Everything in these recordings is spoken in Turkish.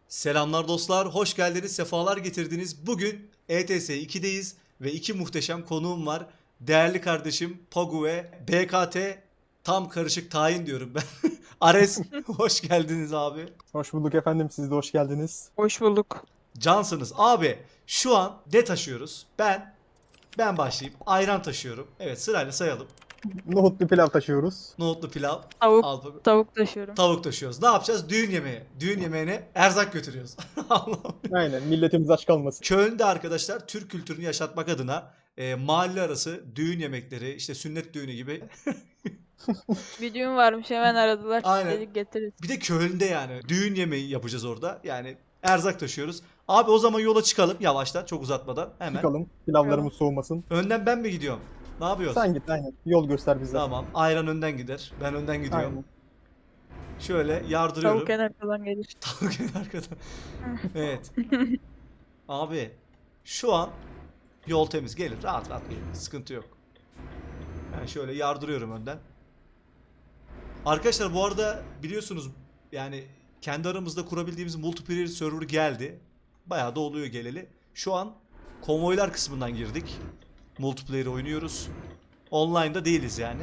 Selamlar dostlar, hoş geldiniz, sefalar getirdiniz. Bugün ETS 2'deyiz ve iki muhteşem konuğum var. Değerli kardeşim Pagu ve BKT, tam karışık tayin diyorum ben. Ares, hoş geldiniz abi. Hoş bulduk efendim. Siz de hoş geldiniz. Hoş bulduk. Cansınız. Abi, şu an ne taşıyoruz? Ben başlayayım. Ayran taşıyorum. Evet, sırayla sayalım. Nohutlu pilav taşıyoruz. Nohutlu pilav, Tavuk, al Pagu. tavuk taşıyorum. Tavuk taşıyoruz. Ne yapacağız? Düğün yemeği. Düğün yemeğine erzak götürüyoruz. Allah'ım. Aynen. Milletimiz aç kalmasın. Köln'de arkadaşlar Türk kültürünü yaşatmak adına mahalle arası düğün yemekleri, işte sünnet düğünü gibi. Bir düğün varmış hemen aradılar. Aynen. Dedik getiririz. Bir de Köln'de yani düğün yemeği yapacağız orada. Yani erzak taşıyoruz. Abi o zaman yola çıkalım yavaştan, çok uzatmadan hemen. Çıkalım. Pilavlarımız soğumasın. Önden ben mi gidiyorum? Ne yapıyoruz? Sen git aynen. Yol göster bize. Tamam. Ayran önden gider. Ben önden gidiyorum. Aynen. Şöyle yardırıyorum. Tavuk en arkadan gelir. Tavuk en arkada. Evet. Abi şu an yol temiz. Gelir. Rahat rahat gelir. Sıkıntı yok. Ben şöyle yardırıyorum önden. Arkadaşlar bu arada biliyorsunuz yani kendi aramızda kurabildiğimiz multiplayer server geldi. Bayağı da oluyor geleli. Şu an konvoylar kısmından girdik. Multiplayer oynuyoruz. Online'da değiliz yani.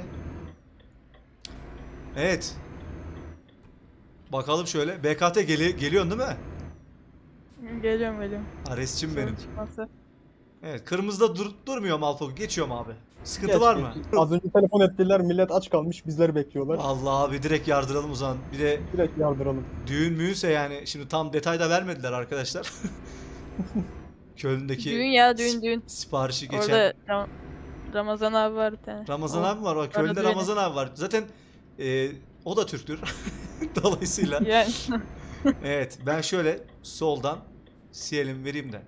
Evet. Bakalım şöyle. BKT geliyorsun değil mi? Geliyorum. Ares'cim Sorun benim. çıkmazsa. Evet. Kırmızıda durmuyorum Alfa. Geçiyorum abi. Sıkıntı Geç, var mı? geç. Az önce telefon ettiler. Millet aç kalmış. Bizleri bekliyorlar. Allah abi direkt yardıralım o zaman. Bir de Direkt yardıralım. düğün müyünse yani şimdi tam detayda vermediler arkadaşlar. Köln'deki Düğün ya düğün. siparişi geçen Orada Ramazan abi var bir tane. Ramazan O- abi var. Bak Köln'de düğünü. Ramazan abi var. Zaten o da Türktür. Dolayısıyla Yani evet ben şöyle soldan siyelim vereyim de.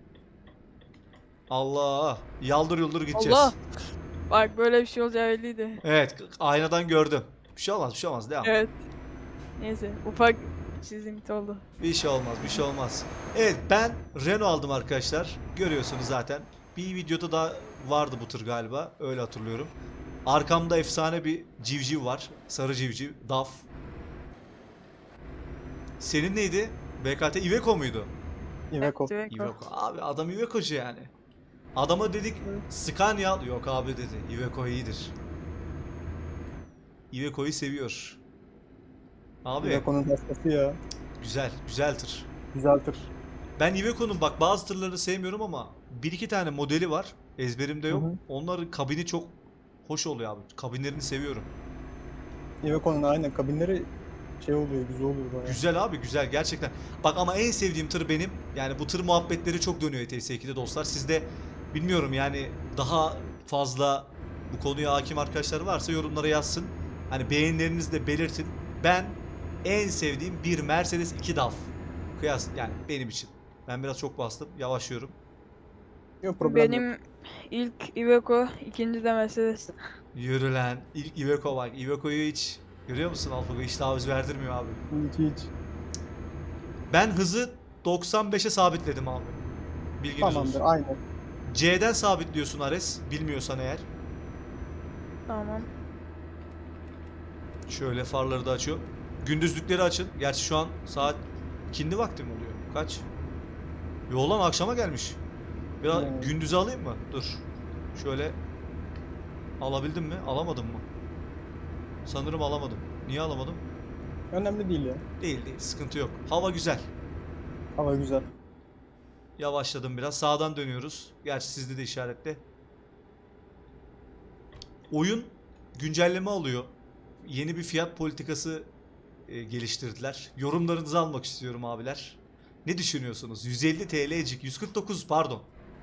Allah yaldır yuldur gideceğiz. Allah. Bak böyle bir şey olacağı belliydi. Evet aynadan gördüm. Bir şey olmaz bir şey olmaz devam. Evet. Neyse ufak çizimti oldu. Bir şey olmaz, bir şey olmaz. Evet, ben Renault aldım arkadaşlar. Görüyorsunuz zaten. Bir videoda da vardı bu tır galiba. Öyle hatırlıyorum. Arkamda efsane bir civciv var. Sarı civciv, DAF. Senin neydi? BKT Iveco muydu? Iveco. Evet, Iveco. Abi adam Iveco'cu yani. Adama dedik Scania al. Yok abi dedi. Iveco iyidir. Iveco'yu seviyor. Abi Iveco'nun dastası ya. güzel, güzel tır. Güzeldir. Ben Iveco'nun bak bazı tırlarını sevmiyorum ama bir iki tane modeli var. Ezberimde yok. Hı hı. Onların kabini çok hoş oluyor abi. Kabinlerini seviyorum. Iveco'nun aynen kabinleri şey oluyor. Güzel oluyor bayağı. Güzel abi güzel gerçekten. Bak ama en sevdiğim tır benim. Yani bu tır muhabbetleri çok dönüyor ETS2'de dostlar. Sizde bilmiyorum yani daha fazla bu konuya hakim arkadaşlar varsa yorumlara yazsın. Hani beğenilerinizi de belirtin. Ben en sevdiğim bir Mercedes 2 DAF. Kıyas yani benim için. Ben biraz çok bastım. Yavaşlıyorum. Yok problem yok. Benim ilk Iveco, ikinci de Mercedes. Yürü lan. İlk Iveco bak. Iveco'yu hiç görüyor musun Alfago? Hiç taviz verdirmiyor abi. Hiç. Ben hızı 95'e sabitledim abi. Bilginiz Tamamdır. olsun. Aynen. C'den sabitliyorsun Ares. Bilmiyorsan eğer. Tamam. Şöyle farları da açıyor. Gündüzlükleri açın. Gerçi şu an saat ikindi vakti mi oluyor? Kaç? Yo lan akşama gelmiş. Biraz Hmm. gündüze alayım mı? Dur. Şöyle alabildim mi? Alamadım mı? Sanırım alamadım. Niye alamadım? Önemli değil ya. Değil değil. Sıkıntı yok. Hava güzel. Hava güzel. Yavaşladım biraz. Sağdan dönüyoruz. Gerçi sizde de işaretle. Oyun güncelleme alıyor. Yeni bir fiyat politikası geliştirdiler. Yorumlarınızı almak istiyorum abiler. Ne düşünüyorsunuz? 150 TL'cik, 149 pardon.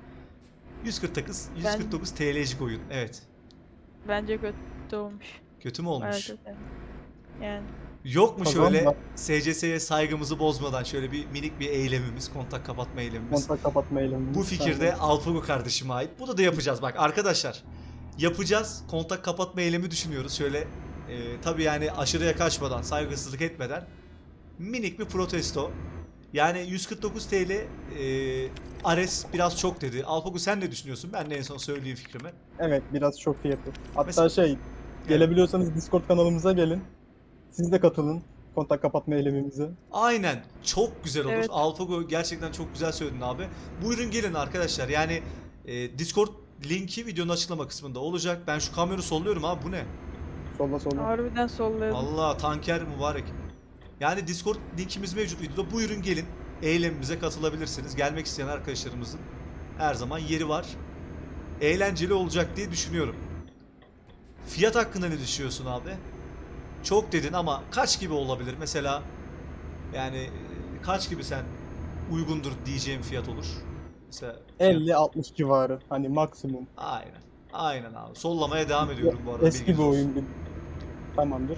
149 TL'cik oyun. Evet. Bence kötü olmuş. Kötü mü Bayağı olmuş? kötü. Yani. Yok mu Kazan şöyle var. SCS'ye saygımızı bozmadan şöyle bir minik bir eylemimiz, kontak kapatma eylemimiz. Kontak kapatma eylemi. Bu fikirde Alpago kardeşime ait. Bunu da yapacağız bak arkadaşlar. Yapacağız. Kontak kapatma eylemi düşünüyoruz. Şöyle tabii yani aşırıya kaçmadan, saygısızlık etmeden minik bir protesto. Yani 149 TL Ares biraz çok dedi. Alpago sen ne düşünüyorsun? Ben de en son söyleyeyim fikrimi. Evet biraz çok fiyatı. Hatta Mesela- gelebiliyorsanız Discord kanalımıza gelin. Siz de katılın. kontak kapatma eylemimize. Aynen. Çok güzel olur. Evet. AlphaGo gerçekten çok güzel söyledin abi. Buyurun gelin arkadaşlar. Yani Discord linki videonun açıklama kısmında olacak. Ben şu kamyonu solluyorum abi. Bu ne? Solla solla. Harbiden sollayalım. Allah tanker mübarek. Yani Discord linkimiz mevcut videoda. Buyurun gelin. Eylemimize katılabilirsiniz. Gelmek isteyen arkadaşlarımızın her zaman yeri var. Eğlenceli olacak diye düşünüyorum. Fiyat hakkında ne düşünüyorsun abi? Çok dedin ama kaç gibi olabilir? Mesela yani kaç gibi sen uygundur diyeceğim fiyat olur? Mesela 50-60 civarı. Hani maksimum. aynen. Aynen abi. Sollamaya devam ediyorum bu arada. Eski bir bilginiz olsun. oyun gibi. Tamamdır.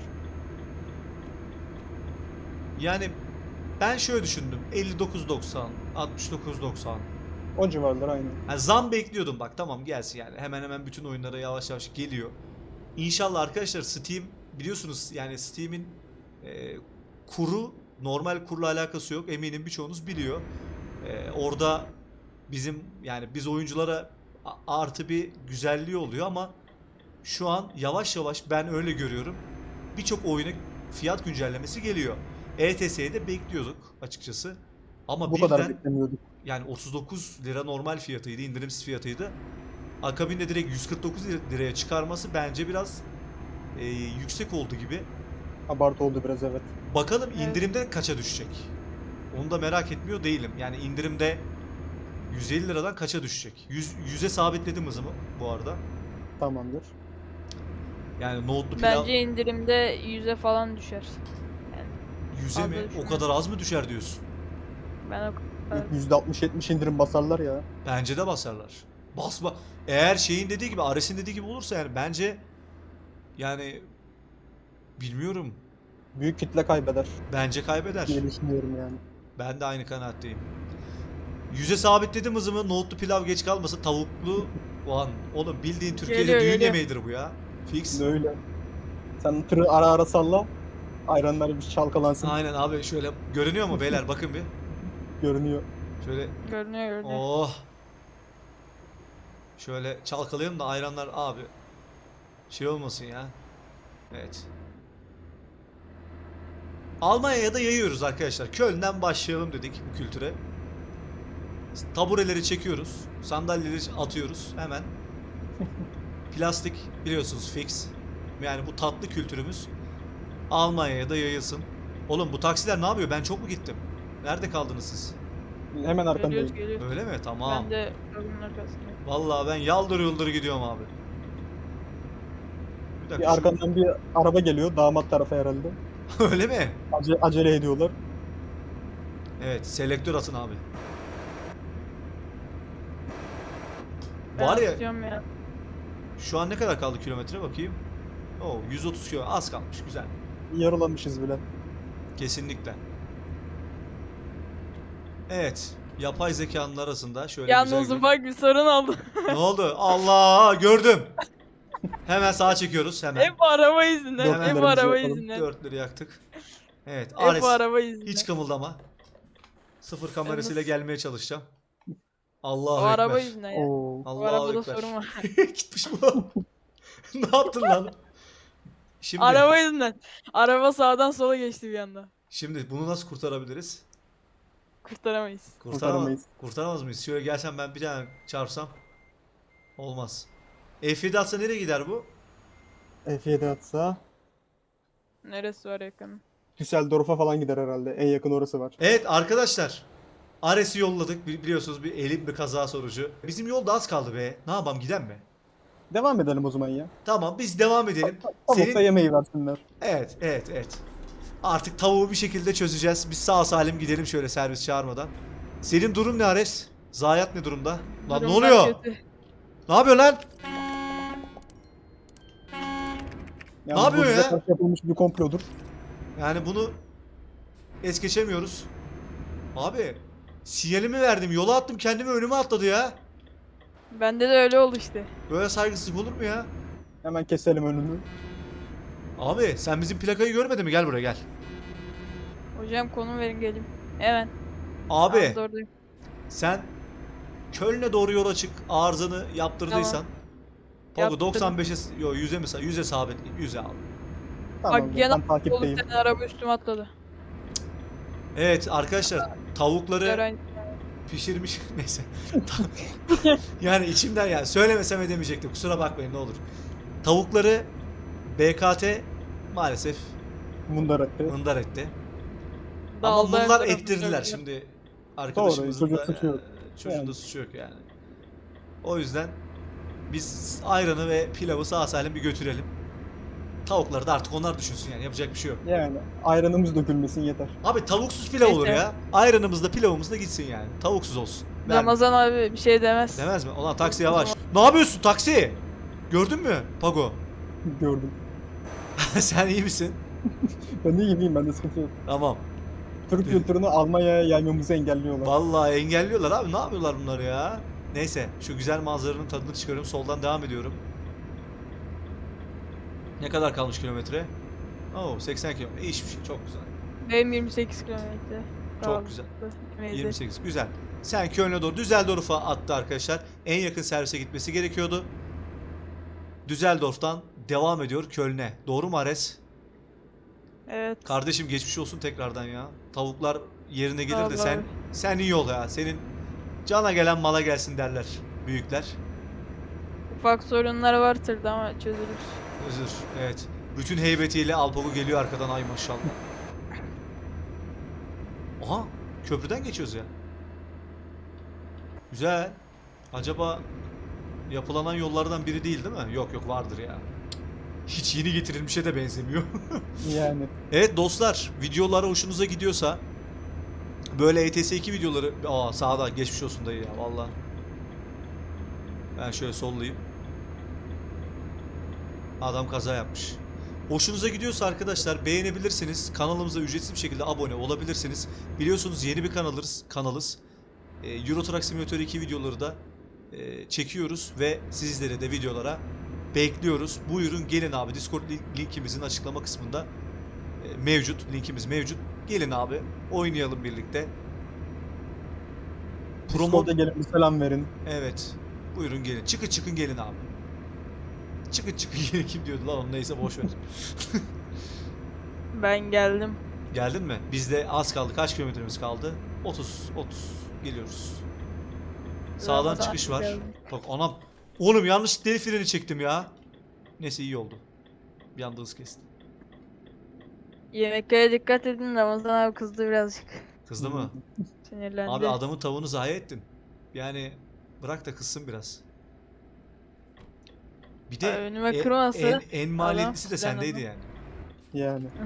Yani ben şöyle düşündüm. 59.90, 69.90. O civarlar aynı. Yani zam bekliyordum bak tamam gelsin yani. Hemen hemen bütün oyunlara yavaş yavaş geliyor. İnşallah arkadaşlar Steam biliyorsunuz yani Steam'in kuru normal kurla alakası yok. Eminim birçoğunuz biliyor. Orada bizim yani biz oyunculara artı bir güzelliği oluyor ama şu an yavaş yavaş ben öyle görüyorum. Birçok oyuna fiyat güncellemesi geliyor. ETS'yi de bekliyorduk açıkçası. Ama Bu kadar birden beklemiyorduk. yani 39 lira normal fiyatıydı, indirimsiz fiyatıydı. Akabinde direkt 149 liraya çıkarması bence biraz yüksek oldu gibi. Abartı oldu biraz, evet. Bakalım Evet. indirimde kaça düşecek? Onu da merak etmiyor değilim. Yani indirimde 150 liradan kaça düşecek? 100'e sabitledim hızımı bu arada. Tamamdır. Yani nohutlu pilav Bence indirimde 100'e falan düşer. 100'e mi? fazla O düşmez. kadar az mı düşer diyorsun? Ben o kadar. %60-70 indirim basarlar ya. Bence de basarlar. Basma. Eğer şeyin dediği gibi, Ares'in dediği gibi olursa yani bence yani bilmiyorum. Büyük kitle kaybeder Bence kaybeder. diye düşünüyorum yani. Ben de aynı kanaatteyim. 100'e sabitledim hızımı. Nohutlu pilav geç kalmasın. Tavuklu Ulan oğlum bildiğin Türkiye'de Geliyor, düğün geliyor. yemeğidir bu ya. Fix. Öyle. Sen tırı ara ara salla. Ayranlar bir çalkalansın. Aynen abi şöyle görünüyor mu beyler bakın bir. Görünüyor. Şöyle Görünüyor. oh. Şöyle çalkalayalım da ayranlar abi. Şey olmasın ya. Evet. Almanya'ya da yayıyoruz arkadaşlar. Köln'den başlayalım dedik bu kültüre. Tabureleri çekiyoruz. Sandalyeleri atıyoruz hemen. Plastik biliyorsunuz fix. Yani bu tatlı kültürümüz Almanya'ya da yayılsın. Oğlum bu taksiler ne yapıyor? Ben çok mu gittim? Nerede kaldınız siz? Hemen arkandayım. Geliyoruz. Öyle mi? Tamam. Ben de kapının arkasındayım. Vallahi ben yaldır yuldur gidiyorum abi. Bir dakika. Bir arkandan bir araba geliyor. Damat tarafa herhalde. Öyle mi? Acele ediyorlar. Evet, selektör atın abi. Ben Var ya istiyorum ya. şu an ne kadar kaldı kilometre bakayım. Oo 130 kilometre az kalmış güzel. Yarılamışız bile. Kesinlikle. Evet. Yapay zekanın arasında şöyle Yalnız güzel ufak bir sorun oldu. Ne oldu? Allah gördüm. Hemen sağa çekiyoruz hemen. Hep bu araba yüzünden. Dört Hep bu ellerimizi araba yakalım. yüzünden. Dörtleri yaktık. Evet Hep Ares bu araba yüzünden. hiç kımıldama. Sıfır kamerasıyla Yalnız- gelmeye çalışacağım. O Allahu araba Ekber. yüzünden ya. Oo. Bu Allahu arabada Ekber. sorun var. Gitmiş bu. Ne yaptın lan? Şimdi Araba yüzünden. Araba sağdan sola geçti bir anda. şimdi bunu nasıl kurtarabiliriz? Kurtaramayız. Kurtaramayız. Kurtaramaz mıyız? Şöyle gelsem ben bir tane çarpsam olmaz. F7 atsa nereye gider bu? F7 atsa Neresi var yakın? Düsseldorf'a falan gider herhalde. En yakın orası var. Evet arkadaşlar. Ares'i yolladık. Biliyorsunuz bir elim bir kaza sonucu. Bizim yolda az kaldı be. Ne yapalım giden mi? Devam edelim o zaman ya. Tamam biz devam edelim. Tavukta yemeği versinler. Evet. Artık tavuğu bir şekilde çözeceğiz. Biz sağ salim gidelim şöyle servis çağırmadan. Senin durum ne Ares? Zayiat ne durumda? Lan ne Durumlar oluyor? kötü. Ne yapıyor lan? Yani yapıyor bu bize ya? karşı yapılmış bir komplodur. Yani bunu es geçemiyoruz. Abi sinyalimi verdim. Yola attım kendimi önüme atladı ya. Bende de öyle oldu işte. Böyle saygısızlık olur mu ya? Hemen keselim önünü. Abi sen bizim plakayı görmedin mi? Gel buraya gel. Hocam konum verin geleyim. Hemen. Abi Tamam, oradayım. sen Köln'e doğru yola çık. Arızanı yaptırdıysan. Pogo Yaptırdım. 95'e yo 100'e mi 100'e sabit 100'e al. Tamam Bak ben yana dolu takipteyim. bir tane araba üstüme atladı. Evet arkadaşlar, tavukları Öğrenci. pişirmiş neyse. Yani içimden, yani söylemesem edemeyecektim. Kusura bakmayın ne olur. Tavukları BKT maalesef Mundar etti. mındar etti. Ama Daldı her bunlar tarafı ettirdiler. gördüler. Şimdi Doğru, arkadaşımızın çocuğun da suçu yok. çocuğun da Yani. suçu yok yani. O yüzden biz ayranı ve pilavı sağ salim bir götürelim. Tavukları da artık onlar düşünsün, yani yapacak bir şey yok. Yani ayranımız dökülmesin yeter. Abi tavuksuz pilav olur Neyse. ya. Ayranımız da pilavımız da gitsin yani. Tavuksuz olsun. Verme. Ramazan abi bir şey demez. Demez mi? Ulan taksi O yavaş. zaman- Ne yapıyorsun taksi? Gördün mü Pago? Gördüm. Sen iyi misin? Ben de iyiyim, bende sıkıntı yok. Tamam. Türk kültürünü Almanya'ya yaymamızı engelliyorlar. Vallahi engelliyorlar abi. Ne yapıyorlar bunları ya? Neyse, şu güzel manzaranın tadını çıkarıyorum. Soldan devam ediyorum. Ne kadar kalmış kilometre? Oo, 80 kilometre. İyi hiçbir şey. Çok güzel. Benim 28 kilometre. Çok güzel. Neyse. 28. Güzel. Sen Köln'e doğru, Düsseldorf'a attı arkadaşlar. En yakın servise gitmesi gerekiyordu. Düsseldorf'tan devam ediyor Köln'e. Doğru mu Ares? Evet. Kardeşim geçmiş olsun tekrardan ya. Tavuklar yerine gelir de Vallahi. sen iyi ol ya. Senin cana gelen mala gelsin derler büyükler. Ufak sorunlar var tırda ama çözülür. Özür. Evet. Bütün heybetiyle Alpago geliyor arkadan, ay maşallah. Aha, köprüden geçiyoruz ya. Güzel. Acaba yapılanan yollardan biri değil mi? Yok yok, vardır ya. Hiç yeni getirilmişe de benzemiyor. Yani. Evet dostlar, videolar hoşunuza gidiyorsa böyle ETS2 videoları, sağda geçmiş olsun dayı ya valla. Ben şöyle sollayayım. Adam kaza yapmış. Hoşunuza gidiyorsa arkadaşlar beğenebilirsiniz. Kanalımıza ücretsiz bir şekilde abone olabilirsiniz. Biliyorsunuz yeni bir kanalız. Euro Truck Simulator 2 videoları da çekiyoruz ve sizleri de videolara bekliyoruz. Buyurun gelin abi. Discord linkimizin açıklama kısmında mevcut. Linkimiz mevcut. Gelin abi. Oynayalım birlikte. Discord'a gelin bir selam verin. Evet. Buyurun gelin. Çıkın gelin abi. Çıkın gelin. Kim diyordu lan onu, neyse boş ver. Ben geldim. Geldin mi? Bizde az kaldı. Kaç kilometremiz kaldı? 30 geliyoruz. Sağdan Ramazan çıkış abi var. geldi. Bak anam. Oğlum yanlış el freni çektim ya. Neyse iyi oldu. Bir anda hız kestim. Yemeklere dikkat edin, Ramazan abi kızdı birazcık. Kızdı mı? Sinirlendi. Abi adamın tavuğunu zayi ettin. Yani bırak da kızsın biraz. Bir de Önüme kırması. en maliyetlisi de Adam sendeydi fren yani. Yani.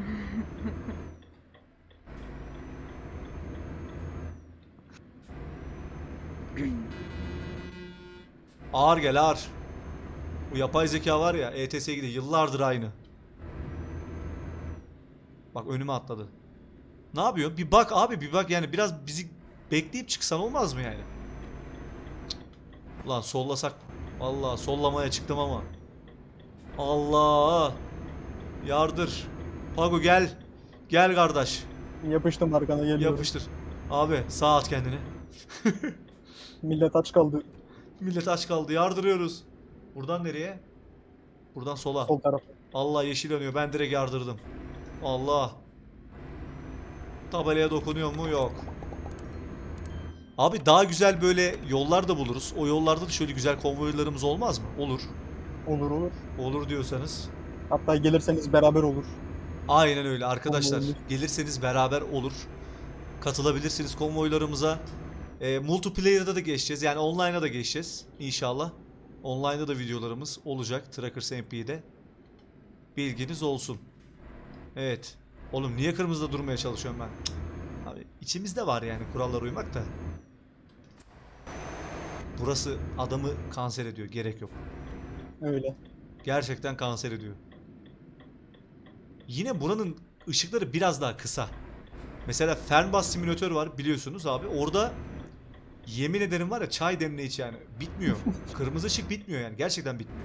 Ağır gel ağır. Bu yapay zeka var ya, ETS'ye gidiyor yıllardır aynı. Bak önüme atladı. Ne yapıyor? Bir bak abi, bir bak yani, biraz bizi bekleyip çıksan olmaz mı yani? Cık. Ulan sollasak. Vallahi sollamaya çıktım ama. Allah. Yardır. Pago gel. Gel kardeş. Yapıştım arkana geliyorum. Yapıştır. Abi sağ at kendini. Millet aç kaldı. Millet aç kaldı. Yardırıyoruz. Buradan nereye? Buradan sola. Sol taraf. Allah yeşil yanıyor. Ben direkt yardırdım. Allah. Tabelaya dokunuyor mu? Yok. Abi daha güzel böyle yollar da buluruz. O yollarda da şöyle güzel konvoylarımız olmaz mı? Olur. Olur olur. Olur diyorsanız. Hatta gelirseniz beraber olur. Aynen öyle arkadaşlar. Konvoylu. Gelirseniz beraber olur. Katılabilirsiniz konvoylarımıza. Multiplayer'da da geçeceğiz. Yani online'a da geçeceğiz. İnşallah. Online'da da videolarımız olacak. Trackers MP'de. Bilginiz olsun. Evet. Oğlum niye kırmızıda durmaya çalışıyorum ben? Cık. Abi içimizde var yani kurallara uymak da. Burası adamı kanser ediyor. Gerek yok. Öyle. Gerçekten kanser ediyor. Yine buranın ışıkları biraz daha kısa. Mesela Fernbus simülatör var biliyorsunuz abi. Orada yemin ederim var ya, çay demle iç yani. Bitmiyor. Kırmızı ışık bitmiyor yani. Gerçekten bitmiyor.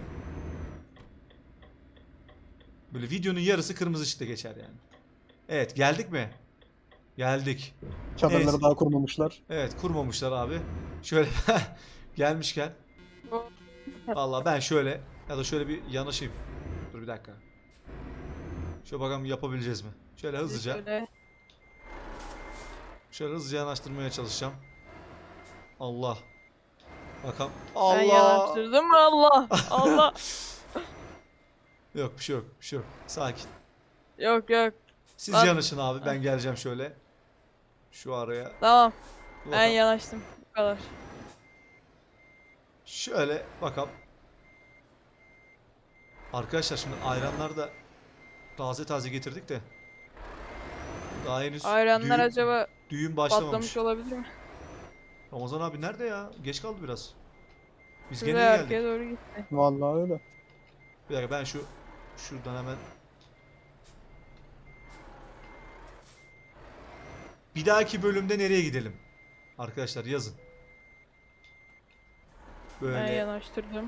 Böyle videonun yarısı kırmızı ışıkta geçer yani. Evet geldik mi? Geldik. Çadırları Evet. daha kurmamışlar. Evet kurmamışlar abi. Şöyle gelmişken. Vallahi ben şöyle ya da şöyle bir yanaşayım. Dur bir dakika. Şöyle bakalım yapabileceğiz mi? Şöyle hızlıca. Şöyle. Şöyle hızlıca yanaştırmaya çalışacağım. Allah. Bakalım. Ben Allah. yanaştırdım mı? Allah. Allah. Yok bir şey yok. Bir şey yok. Sakin. Yok yok. Siz Lan. yanaşın abi. Ben geleceğim şöyle. Şu araya. Tamam. Dur Ben bakalım. yanaştım. Bu kadar. Şöyle bakalım. Arkadaşlar şimdi ayranlar da taze taze getirdik de. Daha henüz Ayranlar düğün, acaba düğün başlamamış. patlamış olabilir mi? Ramazan abi nerede ya? Geç kaldı biraz. Biz Şuraya gene iyi arkaya geldik. doğru gitti. Vallahi öyle. Bir dakika ben şuradan hemen. Bir dahaki bölümde nereye gidelim? Arkadaşlar yazın. Ben Böyle yanaştırdım.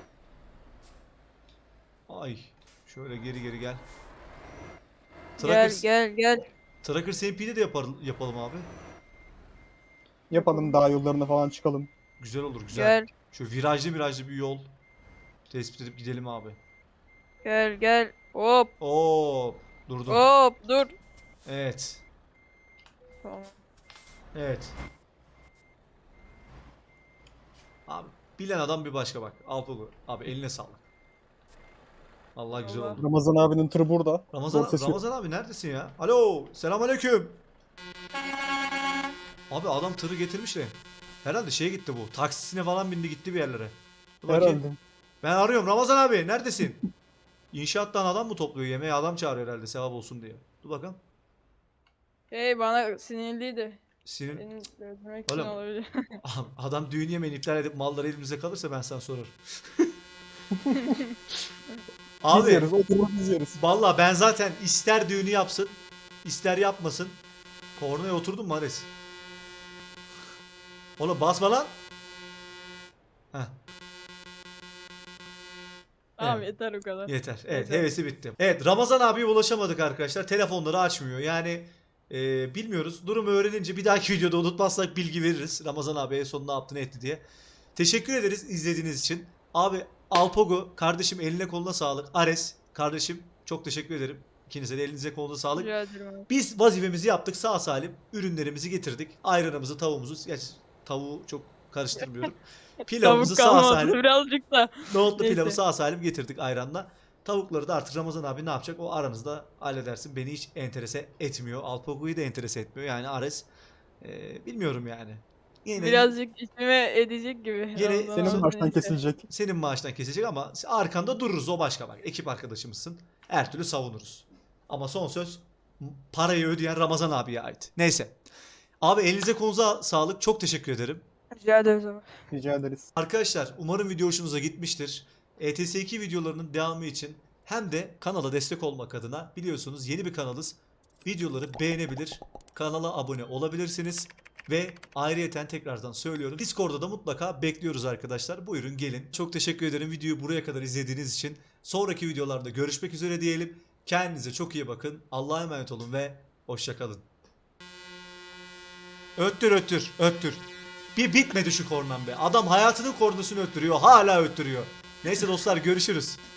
ay şöyle geri geri gel. Gel Tracker, gel gel. Tracker SMP'de de yapalım abi. Yapalım dağ yollarına falan çıkalım. Güzel olur güzel. Gel. Şu virajlı bir yol tespit edip gidelim abi. Gel gel. Hop Oo durdum. hop dur. Evet. Tamam. Evet. Abi bilen adam bir başka bak. Alpogo. Abi eline sağlık. Vallahi güzel Allah. oldu. Ramazan abinin tırı burada. Ramazan, Zor sesi yok. Ramazan abi neredesin ya? Alo, selamünaleyküm. Abi adam tırı getirmiş de. Herhalde şeye gitti bu. Taksisine falan bindi gitti bir yerlere. Dur bakayım. Herhalde. Ben arıyorum Ramazan abi neredesin? İnşaattan adam mı topluyor? Yemeğe adam çağırıyor herhalde sevap olsun diye. Dur bakalım. Hey bana sinirliydi. Sinir... Seni öldürmek için Oğlum. olabilir. Adam düğün yemeğini iptal edip malları elimizde kalırsa ben sana sorarım. Biz Abi yeriz. Oturup biz yeriz. valla ben zaten ister düğünü yapsın ister yapmasın. Kornaya oturdun mu Ares? Oğlum basma lan. Heh, Tamam Evet. yeter o kadar. yeter. Evet Yeter. hevesi bitti. Evet Ramazan abiye ulaşamadık arkadaşlar. Telefonları açmıyor. Yani bilmiyoruz. Durumu öğrenince bir dahaki videoda unutmazsak bilgi veririz. Ramazan abiye son ne yaptı ne etti diye. Teşekkür ederiz izlediğiniz için. Abi Alpogo kardeşim eline koluna sağlık. Ares kardeşim çok teşekkür ederim. İkinize de elinize kolunuza sağlık. Rica ederim abi. Biz vazifemizi yaptık sağ salim. Ürünlerimizi getirdik. Ayranımızı, tavuğumuzu. Gerçi tavuğu çok karıştırmıyorum. Pilavımızı Tavuk sağ kalmadı salim. birazcık da. Nohutlu Neyse. pilavı sağ salim getirdik ayranla. Tavukları da artık Ramazan abi ne yapacak? O aranızda halledersin. Beni hiç enterese etmiyor. Alpogo'yu da enterese etmiyor. Yani Ares bilmiyorum yani. Yine Birazcık içime edecek gibi. Yine Ramazan Senin abi baştan neyse. kesilecek. senin maaştan kesecek ama arkanda dururuz o başka bak. Ekip arkadaşımızsın. Her türlü savunuruz. Ama son söz parayı ödeyen Ramazan abiye ait. Neyse. Abi elinize kolunuza sağlık. Çok teşekkür ederim. Rica ederiz abi. Rica ederiz. Arkadaşlar umarım video hoşunuza gitmiştir. ETS2 videolarının devamı için hem de kanala destek olmak adına biliyorsunuz yeni bir kanalız. Videoları beğenebilir, kanala abone olabilirsiniz. Ve ayrıyeten tekrardan söylüyorum. Discord'da da mutlaka bekliyoruz arkadaşlar. Buyurun gelin. Çok teşekkür ederim videoyu buraya kadar izlediğiniz için. Sonraki videolarda görüşmek üzere diyelim. Kendinize çok iyi bakın. Allah'a emanet olun ve hoşça kalın. Öttür öttür öttür. Bir bitmedi şu kornam be. Adam hayatının kornasını öttürüyor. Hala öttürüyor. Neyse dostlar görüşürüz.